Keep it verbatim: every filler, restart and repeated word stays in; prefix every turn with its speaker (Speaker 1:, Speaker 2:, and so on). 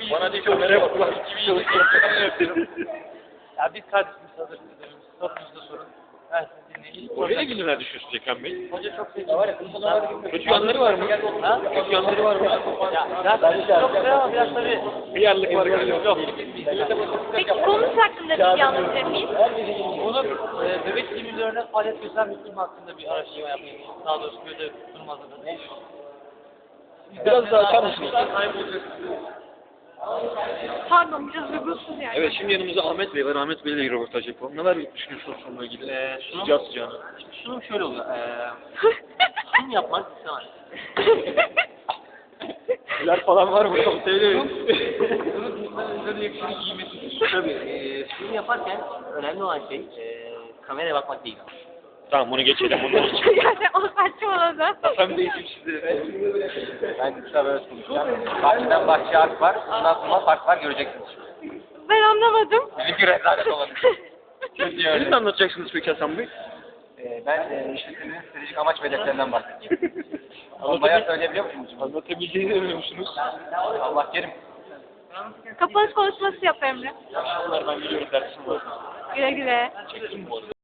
Speaker 1: Bana değil kameraya bak ulan.
Speaker 2: Ya biz kardeşimiz hazır. Sorunuzu da sorun. Ben sizi dinleyeyim.
Speaker 1: Oraya günler düşüyorsun Ekrem Bey.
Speaker 2: Hoca çok sevdi.
Speaker 1: Kötü yanları var mı?
Speaker 2: Ha?
Speaker 1: Kötü yanları var mı?
Speaker 2: Ya biraz çok güzel ama biraz tabii.
Speaker 1: Bir yerlik var galiba. Yok.
Speaker 3: Peki konusu hakkında bilgi alabilir miyiz?
Speaker 2: Bunu e, bebek simülatörüne faaliyet gösteren bir film hakkında bir araştırma yapayım. Daha doğrusu böyle sunum hazırladım.
Speaker 1: Biraz daha açar mısınız?
Speaker 3: Pardon biraz uygunsuz yani.
Speaker 1: Evet şimdi yanımızda Ahmet Bey var. Ahmet Bey'le bir röportaj yapalım. Neler düşünüyorsunuz sunumla ilgili?
Speaker 2: Ee, sunum,
Speaker 1: Sıcağı sıcağına.
Speaker 2: sunum şöyle oluyor. Ee, sunum yapmak istemez.
Speaker 1: Neler falan var mı? Söyleyeyim.
Speaker 2: Böyle yakışıklı giymesi. Tabii. E, sunum yaparken önemli olan şey e, kameraya bakmak değil.
Speaker 1: Tamam bunu geçelim. Bunu geçelim.
Speaker 3: Yani o saçmaladı.
Speaker 1: Sen değilsin şimdi.
Speaker 4: Ben kısa böyle konuşacağım. Bahçeden bahçeye harf var. Ondan sonra fark var göreceksiniz.
Speaker 3: Ben anlamadım.
Speaker 4: Benimki rezalet olabilir. Çok iyi
Speaker 1: Siz
Speaker 4: öyle.
Speaker 1: ne anlatacaksınız peki Hasan Bey?
Speaker 4: Ee, ben e, işletmenin stratejik amaç ve hedeflerinden bahsedeceğim. Ama bayağı söyleyebiliyor musunuz?
Speaker 1: Anlatabileceğini demiyor musunuz?
Speaker 4: Allah kerim.
Speaker 3: Kapanış konuşması yap Emre.
Speaker 1: Bunlar ben biliyorum dersim var.
Speaker 3: Güle güle.
Speaker 1: Çektim bu arada.